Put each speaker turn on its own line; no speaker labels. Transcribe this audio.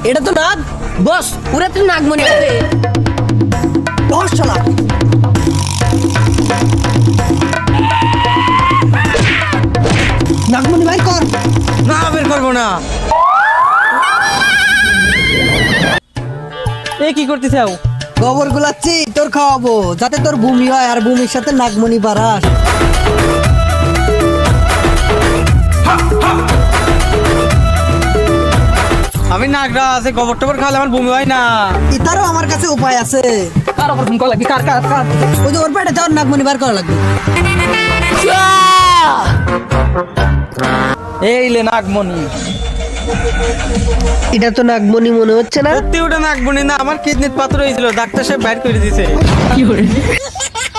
এটা তো নাগ বস, পুরা তো নাগমণি আছে। বস শালা। নাগমণি ভাই কর।
না বের করবো না। এ কি করতে চাও?
গোবর গুলাচ্ছি তোর খাওয়াবো, যাতে তোর ভূমি হয় আর ভূমির সাথে নাগমণি বাড়াস।
আমি নাগরা আছে, গোবর টোবর খাওয়ালে আমার বমি হয় না।
এটারও আমার কাছে উপায় আছে।
কার ওপর ফোন করা লাগবে? কার কার কার?
ওই যে ওর পেটে তোর নাগমণি বার করা লাগবে।
এই লে নাগমণি।
এটা তো নাগমণি মনে হচ্ছে না।
সত্যি ওটা নাগমণি না, আমার কিডনির পাথর হয়েছিল, ডাক্তার সাহেব বাইর করে দিয়েছে।